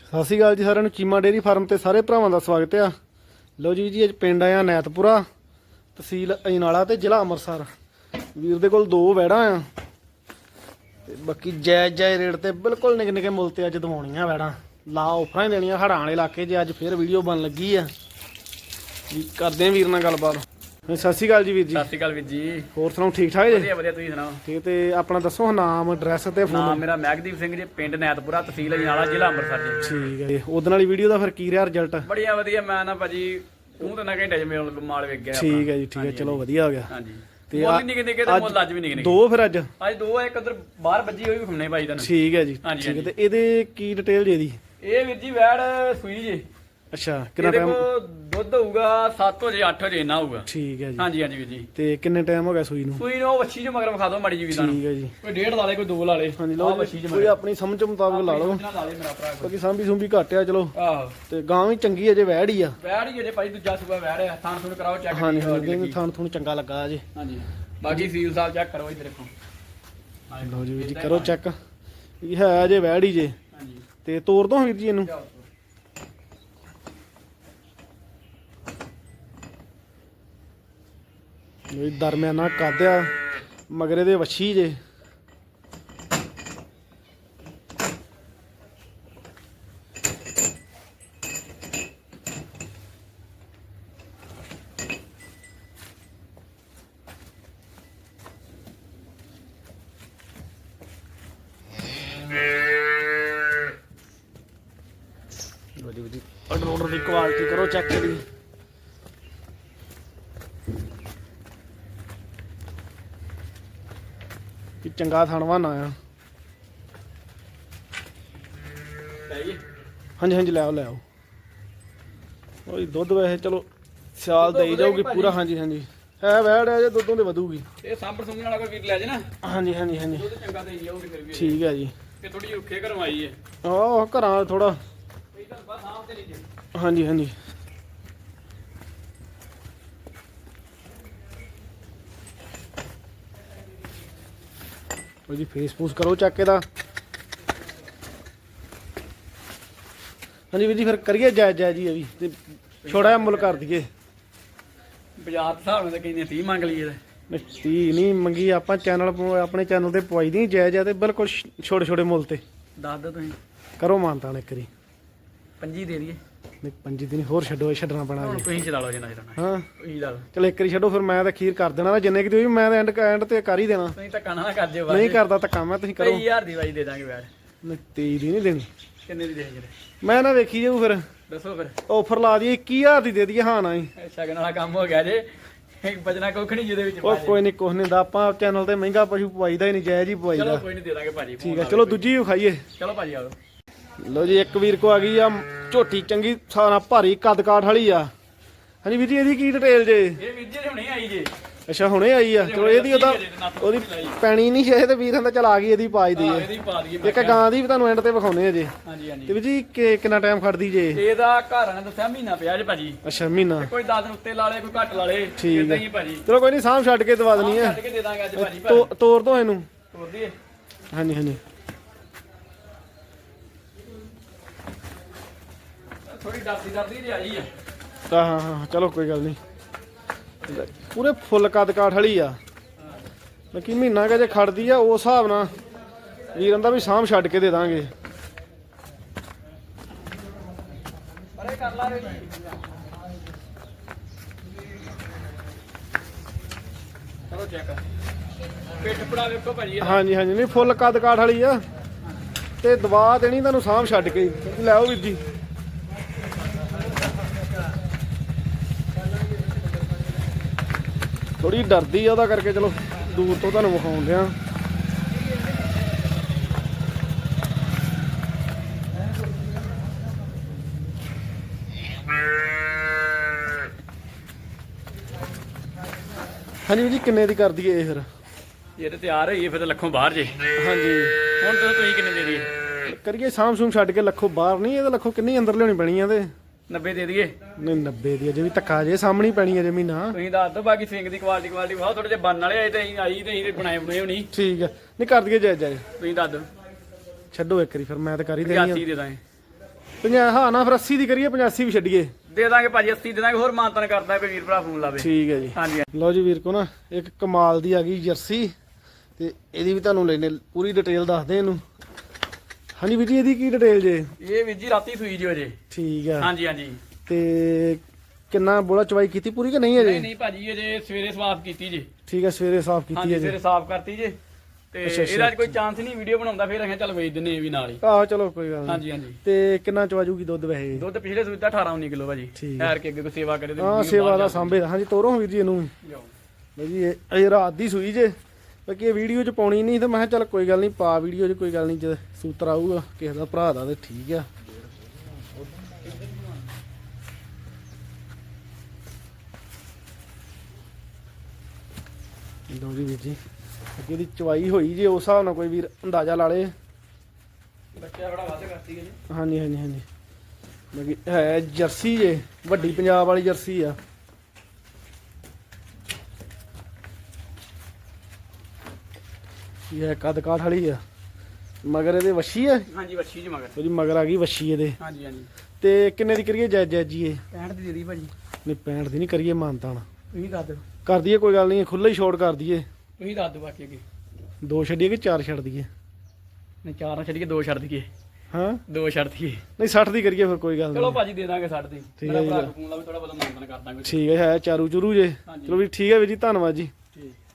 ਸਤਿ ਸ਼੍ਰੀ ਅਕਾਲ ਜੀ ਸਾਰਿਆਂ ਨੂੰ। ਚੀਮਾ ਡੇਅਰੀ ਫਾਰਮ ਤੇ ਸਾਰੇ ਭਰਾਵਾਂ ਦਾ ਸਵਾਗਤ ਆ। ਲਓ ਜੀ ਅੱਜ ਪਿੰਡ ਆਇਆ ਨੈਤਪੁਰਾ, ਤਹਿਸੀਲ ਅਜਨਾਲਾ ਤੇ ਜ਼ਿਲ੍ਹਾ ਅੰਮ੍ਰਿਤਸਰ। ਵੀਰ ਦੇ ਕੋਲ ਦੋ ਵੈੜਾਂ ਆ ਤੇ ਬਾਕੀ ਜਾਇਜ਼ ਰੇਟ ਤੇ ਬਿਲਕੁਲ ਨਿੱਕੇ ਨਿੱਕੇ ਮੁੱਲ ਤੇ ਅੱਜ ਦਵਾਉਣੀਆਂ ਵੈੜਾਂ। ਲਾ ਆਫਰਾਂ ਹੀ ਦੇਣੀਆਂ ਹੜਾਂ ਵਾਲੇ ਇਲਾਕੇ 'ਚ। ਅੱਜ ਫਿਰ ਵੀਡੀਓ ਬਣ ਲੱਗੀ ਆ ਜੀ, ਕਰਦੇ ਆ ਵੀਰ ਨਾਲ ਗੱਲਬਾਤ। ਸਤਿ ਸ਼੍ਰੀ ਅਕਾਲ ਜੀ ਵੀਰ ਜੀ। ਸਤਿ ਸ਼੍ਰੀ ਅਕਾਲ ਵੀਰ ਜੀ। ਹੋਰ ਸੁਣਾਓ, ਠੀਕ ਠਾਕ ਜੀ? ਵਧੀਆ ਵਧੀਆ, ਤੁਸੀਂ ਸੁਣਾਓ? ਠੀਕ। ਤੇ ਆਪਣਾ ਦੱਸੋ ਨਾਮ, ਐਡਰੈਸ ਤੇ ਫੋਨ। ਨਾਮ ਮੇਰਾ ਮਹਿਕਦੀਪ ਸਿੰਘ ਜੀ, ਪਿੰਡ ਨੈਤਪੁਰਾ, ਤਹਿਸੀਲ ਅਜਨਾਲਾ, ਜ਼ਿਲ੍ਹਾ ਅੰਮ੍ਰਿਤਸਰ ਜੀ। ਠੀਕ ਹੈ ਜੀ। ਉਹਦੇ ਵਾਲੀ ਵੀਡੀਓ ਦਾ ਫਿਰ ਕੀ ਰਿਹਾ ਰਿਜ਼ਲਟ? ਬੜੀਆ ਵਧੀਆ। ਮੈਂ ਨਾ ਭਾਜੀ ਤੂੰ ਤਾਂ ਨਾ ਘੰਟੇ 'ਚ ਮਾਲ ਵੇਚ ਗਿਆ। ਠੀਕ ਹੈ ਜੀ, ਠੀਕ ਹੈ, ਚਲੋ ਵਧੀਆ ਹੋ ਗਿਆ। ਹਾਂਜੀ ਤੇ ਮੁੱਲ ਨਿੱਕੇ ਨਿੱਕੇ ਤੇ ਮੁੱਲ ਅੱਜ ਵੀ ਨਿੱਕੇ ਨਿੱਕੇ। ਦੋ ਫਿਰ ਅੱਜ ਦੋ ਆ, ਇੱਕ ਉਧਰ ਬਾਹਰ ਵੱਜੀ ਹੋਈ ਵੀ ਖੁੰਨੇ ਭਾਈ ਤੁਹਾਨੂੰ। ਠੀਕ ਹੈ ਜੀ, ਠੀਕ ਹੈ। ਤੇ ਇਹਦੇ ਕੀ ਡਿਟੇਲ ਜੀ ਇਹਦੀ? ਇਹ ਵੀਰ ਜੀ ਵੈੜ ਸੂਈ ਜੀ। ਅੱਛਾ, ਕਿੰਨਾ ਇਹਦੇ ਟਾਈਮ? ਕੋਲ ਦੁੱਧ ਹੋਊਗਾ 7 ਵਜੇ 8 ਵਜੇ ਇੰਨਾ ਹੋਊਗਾ। ਠੀਕ ਹੈ ਜੀ। ਹਾਂਜੀ ਹਾਂਜੀ ਵੀਰ ਜੀ। ਤੇ ਕਿੰਨੇ ਟਾਈਮ ਹੋ ਗਿਆ ਸੂਈ ਨੂੰ? ਸੂਈ ਨੂੰ ਵੱਛੀ ਚ ਮਗਰ ਵਿਖਾ ਦਿਓ ਮਾੜੀ ਜੀ ਵੀ ਤੁਹਾਨੂੰ। ਠੀਕ ਹੈ ਜੀ। ਕੋਈ ਡੇਢ ਲਾ ਲੇ, ਕੋਈ ਦੋ ਲਾ ਲੇ। ਹਾਂਜੀ ਲਓ ਜੀ, ਕੋਈ ਆਪਣੀ ਸਮਝ ਮੁਤਾਬਕ ਲਾ ਲਓ। ਲਾ ਲੇ ਮੇਰਾ ਭਰਾ। ਬਾਕੀ ਸਾਂਭੀ ਸੁੰਭੀ ਘੱਟ ਆ, ਚਲੋ। ਆਹੋ ਤੇ ਗਾਂ ਵੀ ਚੰਗੀ ਹੈ ਜੇ ਵੈੜ ਹੀ ਆ। ਵੈੜ ਹੀ ਜਿਹੜੇ ਭਾਈ ਦੂਜਾ ਸੂਆ ਵੈੜ ਆ। ਥਾਣ ਥੁਣ ਕਰਾਓ ਚੈੱਕ। ਹਾਂਜੀ ਹਾਂਜੀ, ਥਾਣ ਥੁਣ ਚੰਗਾ ਲੱਗਾ ਜੀ। ਹਾਂਜੀ ਬਾਕੀ ਸੀਲ ਸਾਲ ਚੈੱਕ ਕਰੋ ਇੱਧਰ ਦੇਖੋ। ਲਓ ਜੀ ਵੀਰ ਜੀ, ਕਰੋ ਚੈੱਕ। ਇਹ ਹੈ ਜੇ ਵੈੜ ਹੀ ਜੇ। ਹਾਂਜੀ ਤੇ ਤੋੜ ਦੋ ਵੀਰ ਜੀ ਇਹਨੂੰ। ਇਹ ਦਰਮਿਆਨਾ ਕੱਦ ਆ, ਮਗਰ ਇਹਦੇ ਵੱਛੀ ਜੇ। ਜੀ ਆਰਡਰ ਦੀ ਕੁਆਲਿਟੀ ਕਰੋ ਚੈੱਕ ਇਹਦੀ। ਕਿ ਚੰਗਾ ਥਣਵਾ ਨਾ ਆ। ਹਾਂਜੀ ਹਾਂਜੀ, ਲੈ ਆਓ। ਉਹ ਦੁੱਧ ਵੈਸੇ ਚਲੋ ਸਿਆਲ ਦੇਈ ਜਾਊਗੀ ਪੂਰਾ। ਹਾਂਜੀ ਹਾਂਜੀ, ਹੈ ਵੈੜ ਹੈ ਜੇ ਦੁੱਧੋਂ ਦੇ ਵਧੂਗੀ। ਇਹ ਸਾਂਭਰ ਸੁੰਘਣ ਵਾਲਾ ਕੋਈ ਵੀਰ ਲੈ ਜੇ ਨਾ। ਹਾਂਜੀ ਹਾਂਜੀ ਹਾਂਜੀ, ਦੁੱਧ ਚੰਗਾ ਦੇਈ ਜਾਊਗੀ ਫਿਰ ਵੀ। ਠੀਕ ਹੈ ਜੀ। ਇਹ ਥੋੜੀ ਰੁੱਖੇ ਕਰਵਾਈ ਹੈ। ਆਹ ਘਰਾਂ ਥੋੜਾ। ਇਧਰ ਬਸ ਸਾਂਭ ਤੇ ਨਹੀਂ ਜੇ। ਹਾਂਜੀ ਹਾਂਜੀ, ਜੀ ਫੇਸਬੁੱਕ ਕਰੋ ਚੱਕ ਇਹਦਾ। ਹਾਂਜੀ ਵੀਰ ਜੀ, ਫਿਰ ਕਰੀਏ ਜਾਇਜ਼ ਜੀ ਇਹ ਵੀ ਤੇ ਛੋੜਾ ਜਿਹਾ ਮੁੱਲ ਕਰ ਦਈਏ। ਬਾਜ਼ਾਰ ਦੇ ਹਿਸਾਬ ਨਾਲ ਤਾਂ ਕਹਿੰਦੇ 30 ਮੰਗ ਲਈਏ। ਨਹੀਂ 30 ਨਹੀਂ ਮੰਗੀ ਆਪਾਂ, ਆਪਣੇ ਚੈਨਲ ਤੇ ਪਵਾਈ ਦੀ ਜਾਇਜ਼ ਆ ਤੇ ਬਿਲਕੁਲ ਛੋਟੇ ਛੋਟੇ ਮੁੱਲ ਤੇ। ਦੱਸ ਦਿਓ ਤੁਸੀਂ। ਕਰੋ ਮਾਨਤਾਨ ਇੱਕ ਵਾਰੀ। 25 ਦੇ ਦਈਏ। ਨਹੀਂ 25 ਦੀ ਨਹੀਂ, ਹੋਰ ਛੱਡੋ, ਛੱਡਣਾ ਪੈਣਾ ਜੀ। ਤੁਸੀਂ ਚਲਾ ਲਓ ਜਿੰਨਾ ਚਲਾਉਣਾ। ਹਾਂ ਤੁਸੀਂ ਲਾ ਲਓ। ਚਲ ਇੱਕ ਵਾਰੀ ਛੱਡੋ, ਫਿਰ ਮੈਂ ਤਾਂ ਅਖੀਰ ਕਰ ਦੇਣਾ। ਜਿੰਨੇ ਕਿ ਤੁਸੀਂ ਮੈਂ ਤਾਂ ਐਂਡ ਤੇ ਕਰ ਹੀ ਦੇਣਾ। ਤੁਸੀਂ ਧੱਕਾ ਨਾ ਕਰ ਜਿਓ। ਨਹੀਂ ਕਰਦਾ ਧੱਕਾ ਮੈਂ, ਤੁਸੀਂ ਕਰੋ। 23000 ਦੀ ਵਾਈ ਦੇ ਦਾਂਗੇ ਵੈੜ। ਨਹੀਂ 23 ਦੀ ਨਹੀਂ ਦੇਣੀ। ਕਿੰਨੇ ਦੀ ਦੇਣਗੇ? ਮੈਂ ਨਾ ਵੇਖੀ ਜਾਊ ਫਿਰ। ਦੱਸੋ ਫਿਰ। ਆਫਰ ਲਾ ਦਈਏ 21000 ਦੀ ਦੇ ਦਈਏ। ਹਾਂ ਨਾ ਹੀ ਸ਼ਗਨ ਵਾਲਾ ਕੰਮ ਹੋ ਗਿਆ ਜੇ। ਇੱਕ ਬਚਣਾ ਕੁੱਖ ਨਹੀਂ ਜਿਹਦੇ ਵਿੱਚ। ਉਹ ਕੋਈ ਨਹੀਂ, ਕੁਛ ਨਹੀਂ ਦਾ। ਆਪਾਂ ਚੈਨਲ ਤੇ ਮਹਿੰਗਾ ਪਸ਼ੂ ਪਵਾਈਦਾ ਹੀ ਨਹੀਂ, ਜਾਇਜ਼ ਹੀ ਚਲੋ ਪਵਾਈਦਾ। ਕੋਈ ਨਹੀਂ, ਦੇ ਦਾਂਗੇ ਭਾਜੀ। ਠੀਕ ਹੈ, ਚਲੋ ਦੂਜੀ ਵੀ ਖਾਈਏ। ਚਲੋ ਭਾਜੀ ਆਓ। ਲਓ ਜੀ, ਇੱਕ ਵੀਰ ਕੋ ਆ ਗਈ ਆ ਝੋਟੀ ਚੰਗੀ ਸਾਰਾ ਭਾਰੀ ਕੱਦ ਕਾਠ ਵਾਲੀ ਆ। ਹਾਂਜੀ ਵੀਰ ਜੀ, ਇਹਦੀ ਕੀ ਡਿਟੇਲ ਜੇ? ਇਹ ਵੀਰ ਜੀ ਹੁਣੇ ਆਈ ਜੇ। ਅੱਛਾ, ਹੁਣੇ ਆਈ ਆ। ਚਲੋ ਇਹਦੀ ਉਹਦੀ ਪੈਣੀ ਨਹੀਂ ਹੈ ਤੇ ਵੀਰ ਕਹਿੰਦਾ ਚਲ ਆ ਗਈ, ਇਹਦੀ ਪਾਜ ਦੀ ਹੈ। ਇਹਦੀ ਪਾ ਦਈਏ। ਇੱਕ ਗਾਂ ਦੀ ਵੀ ਤੁਹਾਨੂੰ ਐਂਡ ਤੇ ਵਿਖਾਉਨੇ ਆ ਜੇ। ਹਾਂਜੀ ਹਾਂਜੀ। ਤੇ ਵੀਰ ਜੀ ਕਿੰਨਾ ਟਾਈਮ ਖੜਦੀ ਜੇ? ਇਹਦਾ ਘਰ ਨੇ ਦੱਸਿਆ ਮਹੀਨਾ ਪਿਆ ਜੇ ਭਾਜੀ। ਅੱਛਾ, ਮਹੀਨਾ। ਕੋਈ 10 ਦਿਨ ਉੱਤੇ ਲਾ ਲੇ, ਕੋਈ ਘੱਟ ਲਾ ਲੇ। ਠੀਕ ਇਦਾਂ ਹੈ ਹੀ ਭਾਜੀ। ਚਲੋ ਕੋਈ ਨਹੀਂ, ਸਾਂਭ ਛੱਡ ਕੇ ਦਵਾ ਦੇਣੀ ਆ। ਛੱਡ ਕੇ ਦੇ ਦਾਂਗੇ ਅੱਜ ਭਾਜੀ। ਤੋਰ ਦੋ ਇਹਨੂੰ। ਤੋਰ ਦਈਏ। ਹਾਂਜੀ ਹਾਂਜੀ, ਥੋੜੀ ਡਰਦੀ ਜੇ ਆਈ ਆ। ਹਾਂ ਹਾਂ, ਚਲੋ ਕੋਈ ਗੱਲ ਨਹੀਂ। ਪੂਰੇ ਫੁੱਲ ਕੱਦ ਕਾਠ ਵਾਲੀ ਆ। ਬਾਕੀ ਮਹੀਨਾ ਕਾ ਜੇ ਖੜਦੀ ਆ, ਉਸ ਹਿਸਾਬ ਨਾਲ ਵੀਰਾਂ ਦਾ ਵੀ ਸਾਂਭ ਛੱਡ ਕੇ ਦੇ ਦਾਂਗੇ। ਪਰੇ ਕਰ ਲਾ ਰੇ। ਚਲੋ ਚੈੱਕ। ਪਿੱਠ ਪੜਾ ਵੇਖੋ ਭਾਜੀ। ਹਾਂਜੀ ਹਾਂਜੀ, ਨਹੀਂ ਫੁੱਲ ਕੱਦ ਕਾਠ ਵਾਲੀ ਆ ਤੇ ਦਵਾ ਦੇਣੀ ਤੁਹਾਨੂੰ ਸਾਂਭ ਛੱਡ ਕੇ। ਲੈ ਆਓ ਵੀਰ ਜੀ। ਥੋੜੀ ਡਰਦੀ ਆ, ਉਹਦਾ ਕਰਕੇ ਚਲੋ ਦੂਰ ਤੋਂ ਤੁਹਾਨੂੰ ਵਿਖਾਉਂਦੇ ਆ। ਹਾਂਜੀ ਵੀਰ ਜੀ, ਕਿੰਨੇ ਦੀ ਕਰ ਦਈਏ ਇਹ ਫਿਰ? ਇਹ ਤੇ ਤਿਆਰ ਹੋਈ ਫਿਰ ਲੱਖੋਂ ਬਾਹਰ ਜੇ। ਹਾਂਜੀ, ਹੁਣ ਤੁਸੀਂ ਕਿੰਨੇ ਦੇ ਦਈਏ? ਕਰੀਏ ਸਾਂਭ ਸੂਮ ਛੱਡ ਕੇ। ਲੱਖੋਂ ਬਾਹਰ ਨਹੀਂ, ਇਹਦਾ ਲੱਖੋਂ ਕਿੰਨੀ ਅੰਦਰ ਲਿਆਉਣੀ ਪੈਣੀ ਆ ਤੇ 90 ਦੇ ਦਈਏ। ਨਹੀਂ 90 ਦੀ ਅਜੇ ਵੀ ਧੱਕਾ ਜੇ ਸਾਹਮਣੀ ਪੈਣੀ ਅਜੇ ਮਹੀਨਾ। ਤੁਸੀਂ ਦੱਸ ਦਿਓ। ਬਾਕੀ ਸਿੰਗ ਦੀ ਕੁਆਲਿਟੀ ਬਹੁਤ ਥੋੜੇ ਜਿਹਾ ਬਣਨ ਵਾਲੇ ਆਏ ਤੇ ਅਸੀਂ ਆਈ ਤੇ ਅਸੀਂ ਬਣਾਏ ਹੋਣੀ। ਠੀਕ ਹੈ, ਨਹੀਂ ਕਰ ਦਈਏ ਜਾਇਜ਼ ਜਾਇਜ਼। ਤੁਸੀਂ ਦੱਸ ਦਿਓ। ਛੱਡੋ ਇੱਕ ਵਾਰੀ, ਫਿਰ ਮੈਂ ਤਾਂ ਕਰ ਹੀ ਦੇਣੀ 85 ਦੇ ਦਾਂਗੇ। 50 ਹਾਂ ਨਾ ਫਿਰ 80 ਦੀ ਕਰੀਏ 85 ਵੀ ਛੱਡੀਏ। ਦੇ ਦਾਂਗੇ ਭਾਜੀ 80 ਦੇ ਦਾਂਗੇ, ਹੋਰ ਮਾਨਤਨ ਕਰਦਾ ਕੋਈ ਵੀਰ ਭਰਾ ਫੋਨ ਲਾਵੇ। ਠੀਕ ਹੈ ਜੀ। ਹਾਂਜੀ ਲਓ ਜੀ ਵੀਰ ਕੋ ਨਾ ਇੱਕ ਕਮਾਲ ਦੀ ਆ ਗਈ ਜਰਸੀ, ਤੇ ਇਹਦੀ ਵੀ ਤੁਹਾਨੂੰ ਲੈਣੇ ਪੂਰੀ ਡਿਟੇਲ ਦੱਸਦੇ ਇਹਨੂੰ। ਹਾਂਜੀ ਵੀਰ ਜੀ ਇਹਦੀ ਕੀ ਡਿਟੇਲ ਜੇ? ਇਹ ਵੀਰ ਜੀ ਰਾਤੀ ਸੂਈ ਜੋ ਜੇ। ਠੀਕ ਆ। ਹਾਂਜੀ ਹਾਂਜੀ। ਤੇ ਕਿੰਨਾ ਬੋਲਾ ਚਵਾਈ ਕੀਤੀ ਪੂਰੀ ਕਿ ਨਹੀਂ ਅਜੇ? ਨਹੀਂ ਭਾਜੀ ਅਜੇ ਸਵੇਰੇ ਸਾਫ਼ ਕੀਤੀ ਜੇ। ਠੀਕ ਆ, ਸਵੇਰੇ ਸਾਫ਼ ਕੀਤੀ ਹਾਂਜੀ ਹੈ ਜੀ। ਸਵੇਰੇ ਸਾਫ਼ ਕਰਤੀ ਜੇ। ਤੇ ਅੱਛਾ, ਅੱਛਾ, ਇਹਦਾ ਕੋਈ ਚਾਂਸ ਨਹੀਂ ਵੀਡੀਓ ਬਣਾਉਂਦਾ, ਫਿਰ ਅਸੀਂ ਚੱਲ ਵੇਚ ਦਿੰਨੇ ਇਹ ਵੀ ਨਾਲ ਹੀ। ਆਹੋ ਚਲੋ ਕੋਈ ਗੱਲ ਨਹੀਂ। ਹਾਂਜੀ ਹਾਂਜੀ। ਤੇ ਕਿੰਨਾ ਚਵਾਜੂਗੀ ਦੁੱਧ ਵੈਸੇ? ਦੁੱਧ ਪਿਛਲੇ ਸੂਈ ਦਾ 18-19 ਕਿਲੋ ਭਾਜੀ। ਠੀਕ ਠਹਿਰ ਕੇ ਅੱਗੇ ਕੋਈ ਸੇਵਾ ਕਰੇ ਤੇ ਹਾਂ ਵੀਡੀਓ ਸੇਵਾ ਬਾਹਰ ਦਾ ਜਾ ਸਾਂਭੇ ਦਾ। ਹਾਂਜੀ ਤੋਰੋ ਵੀਰ ਜੀ ਇਹਨੂੰ। ਜਾਓ। ਲਓ ਜੀ ਇਹ ਰਾਤ ਦੀ ਸੂਈ ਜੇ, ਬਾਕੀ ਇਹ ਵੀਡੀਓ 'ਚ ਪਾਉਣੀ ਨਹੀਂ, ਤੇ ਮੈਂ ਕਿਹਾ ਚੱਲ ਕੋਈ ਗੱਲ ਨਹੀਂ ਪਾ ਵੀਡੀਓ 'ਚ, ਕੋਈ ਗੱਲ ਨਹੀਂ, ਜੇ ਸੂਤਰ ਆਊਗਾ ਕਿਸੇ ਦਾ ਭਰਾ ਦਾ ਤੇ ਠੀਕ ਆ। ਲਓ ਜੀ ਵੀਰ ਜੀ ਅੱਗੇ ਦੀ ਚਵਾਈ ਹੋਈ ਜੇ, ਉਸ ਹਿਸਾਬ ਨਾਲ ਕੋਈ ਵੀਰ ਅੰਦਾਜ਼ਾ ਲਾ ਲੇ। ਬੱਚਾ ਬੜਾ ਵੱਧ ਕਰਤੀ ਹੈ ਜੀ। ਹਾਂਜੀ ਹਾਂਜੀ ਹਾਂਜੀ। ਬਾਕੀ ਹੈ ਜਰਸੀ ਜੇ, ਵੱਡੀ ਪੰਜਾਬ ਵਾਲੀ ਜਰਸੀ ਆ। ਇਹ ਹੈ ਕੱਦ ਕਾਠ ਵਾਲੀ ਆ। ਮਗਰ ਇਹਦੇ ਵੱਛੀ ਆ। ਹਾਂਜੀ ਵੱਛੀ ਜੀ ਮਗਰ। ਉਹਦੀ ਮਗਰ ਆ ਗਈ ਵੱਛੀ ਇਹਦੇ। ਹਾਂਜੀ ਹਾਂਜੀ। ਤੇ ਕਿੰਨੇ ਦੀ ਕਰੀਏ ਜੈ ਜੈ ਜੀ ਇਹ? 65 ਦੀ ਦੇ ਦੀ ਭਾਜੀ। ਨਹੀਂ 65 ਦੀ ਨਹੀਂ ਕਰੀਏ, ਮਾਨਤਾ ਨਾ ਤੁਸੀਂ ਦੱਸ ਦਿਓ। ਕਰ ਦਈਏ, ਕੋਈ ਗੱਲ ਨਹੀਂ, ਖੁੱਲਾ ਹੀ ਛੋੜ ਕਰ ਦਈਏ। ਤੁਸੀਂ ਦੱਸ ਦਿਓ ਬਾਕੀ ਅੱਗੇ। 2 ਛੱਡੀਏ ਕਿ 4 ਛੱਡ ਦਈਏ? ਨਹੀਂ 4 ਨਾ ਛੱਡੀਏ, 2 ਛੱਡ ਦਈਏ। ਹਾਂ 2 ਛੱਡ ਦਈਏ। ਨਹੀਂ 60 ਦੀ ਕਰੀਏ ਫਿਰ, ਕੋਈ ਗੱਲ ਚਲੋ ਨਹੀਂ। ਭਾਜੀ ਦੇ ਦਾਂਗੇ 60 ਦੀ। ਠੀਕ ਮੇਰਾ ਹੈ ਜੀ। ਭਰਾ ਫੋਨ ਲਾਵੇ, ਥੋੜਾ ਬਹੁਤਾ ਮਾਨਤਨ ਕਰ ਦਾਂਗੇ। ਠੀਕ ਹੈ ਚਾਰੂ ਚੁਰੂ ਜੇ। ਹਾਂਜੀ। ਚਲੋ ਵੀ ਠੀਕ ਹੈ ਵੀਰ ਜੀ, ਧੰਨਵਾਦ ਜੀ। ਠੀਕ।